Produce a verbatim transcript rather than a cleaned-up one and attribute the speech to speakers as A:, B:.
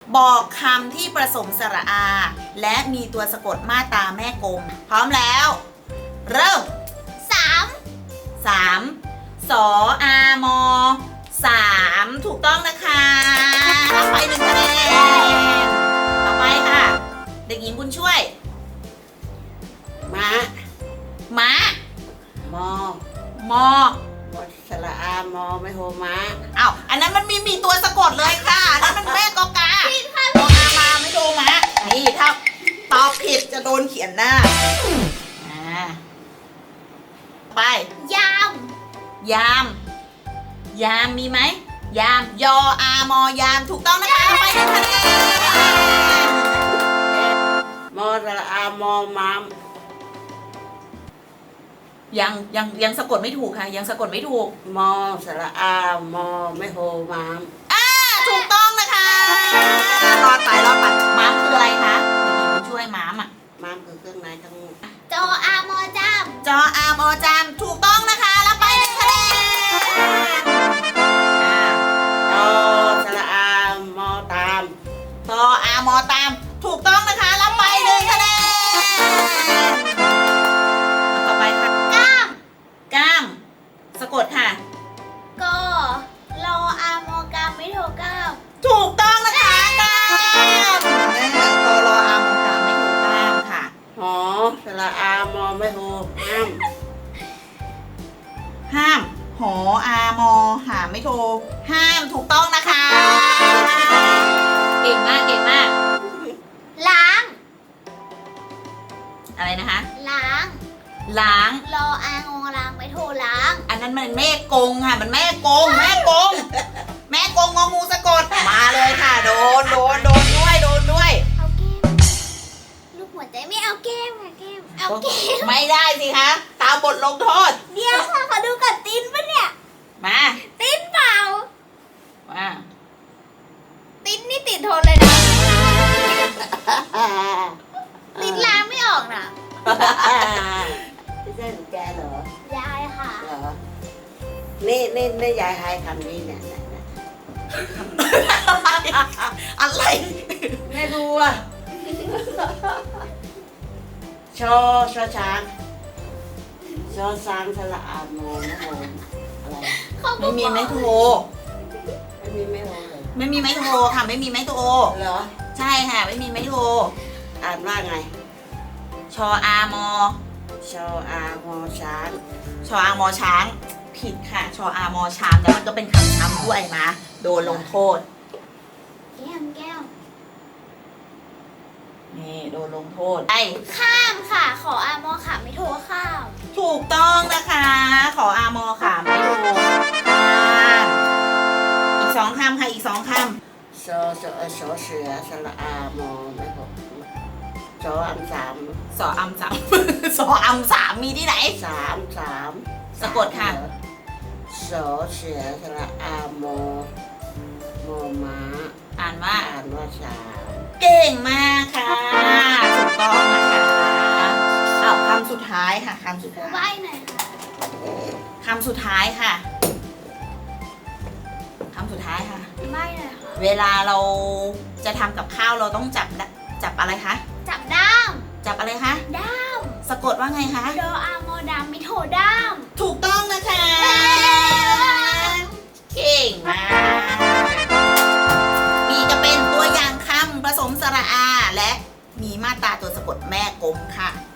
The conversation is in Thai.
A: บอกคำที่ประสงค์สระอา และมีตัวสะกดมาตราแม่กลมพร้อมแล้ว เริ่ม
B: สาม
A: สามสออามอสามถูกต้องนะคะรับไปหนึ่งคะแนนต่อไปค่ะ เด็กหญิงบุญช่วย
C: ม้า
A: ม้าม
C: อ
A: มอ
C: มอสระอามอไม่โฮม้า
A: อ้าวอันนั้นมันมีมีตัวสะกดเลยค่ะอันนั้นมันแม่กอกาโดอามาไม่โดมะนี่ถ้าตอบผิดจะโดนเขียนหน้าอ่าไป
B: ยาม
A: ยาม ยามมีไหมยามยออามอยามถูกต้องนะคะไปหนึ่งคะแนน
C: มอสระอามอมาม
A: ยังยังยังสะกดไม่ถูกค่ะ ยังสะกดไม่ถูก
C: มอสระอามอไม่โฮมาม
A: อ่าถูกต้องนะคะรอดไปรอดไปม้ามคืออะไรคะเด็กหญิงบุญช่วยม้ามอ่ะ
C: มามคือเครื่องในทั้งหมด
B: จออามอจาม
A: จออามอจามถูกต้องนะคะรับไปหนึ่งคะแนนอ่า
C: ตอสระอามอตาม
A: ตออามอตามถูกต้องนะคะรับไปหนึ่งคะแนนต่อไปค่ะ
B: ก้าม
A: ก้ามสะกดค่ะ
B: กอรออามอกามไม่โทรก้าม
A: ถูกต้องนะคะก้ามตอรออามอตามไม่ถูกก้ามค่ะ
C: หอสระอามอไม่โฮห้าม
A: ห้ามหออามอหาไม่โทรห้ามถูกต้องนะคะ เก่งมากเก่งมาก
B: ล้าง
A: อะไรนะคะ
B: ล้าง
A: ล้าง
B: รออางอล้างไม่โทรล้าง
A: อันนั้นมันแม่กงค่ะ มันแม่กง แม่กง แม่กงงองูสะกด มาเลยค่ะ โดน โดน โดนด้วย โดนด้วย
B: เอาเกมลูกหัวใจไม่เอาเกมค่ะเกมเอาเกม
A: ไม่ได้สิคะ ตามบทลงโทษ
B: เดี๋ยวค่ะขอดูก่อนตินปะเนี่ย
A: มา
B: ตินเปล่า
A: มา
B: ตินนี่ติดทนเลยนะ
C: อ่า
B: ตินล้างไม่ออกนะ
C: ไม่ใช่หนูแกเหรอย
B: ายค่ะ
C: เหรอนี่นี่นี่ยายให้คำนี้เนี่ยเนี่ยเนี่ย
A: อะไร
C: ไม่รู้อ่ะชอชอช้างชอช้างสระอามอไม่โฮอะไร
B: เขาก็
A: ไม่มี
B: บอก
A: ไม้โทร
C: ไม่มีไม่โฮเลย
A: ไม่มีไม้โทรค่ะ ไม่มีไม้โทร
C: เหรอ
A: ใช่ค่ะ ไม่มีไม้โทร
C: อ่านว่าไง
A: ชออามอ
C: ชออามอช้าง
A: ชออามอช้าง ผิดค่ะ ชออามอชามแล้วมันก็เป็นคำช้ำด้วยนะ โดนลงโทษ
B: แก้มแก้ม
A: นี่โดนลงโทษไอ
B: ข้ามค่ะ ขออามอค่ะไม่โทรข้าม
A: ถูกต้องนะคะ ขออามอค่ะไม่ถูกค่ะอีกสองคำค่ะ อีกสองค
C: ชอชอชอเสือสระอามอไม่โฮชออันสาม
A: ำสออัมสาม สออัมสามมีที่ไหน
C: สามสาม
A: สะกดค่ะ
C: สอเสือสระอามอมอม้า
A: อ่านว่า
C: อ่านว่าสาม
A: เก่งมากค่ะ ถูกต้องนะคะเอาคำสุดท้ายค่ะคำสุด
B: ครู
A: ท้าย
B: ใบ้หน่อยค่ะ
A: คำสุดท้ายค่ะคำสุดท้ายค่ะ
B: ใบ้หน่อยค่ะ
A: เวลาเราจะทำกับข้าวเราต้องจับดจับอะไรคะ
B: จับด้าม
A: จับอะไรคะ
B: ด้าม
A: สะกดว่าไงคะ
B: ดออามอดามไม่โทรด้าม
A: ถูกต้องนะคะ เก่งมาก มีจะเป็นตัวอย่างคำผสมสระอา และมีมาตราตัวสะกดแม่กลมค่ะ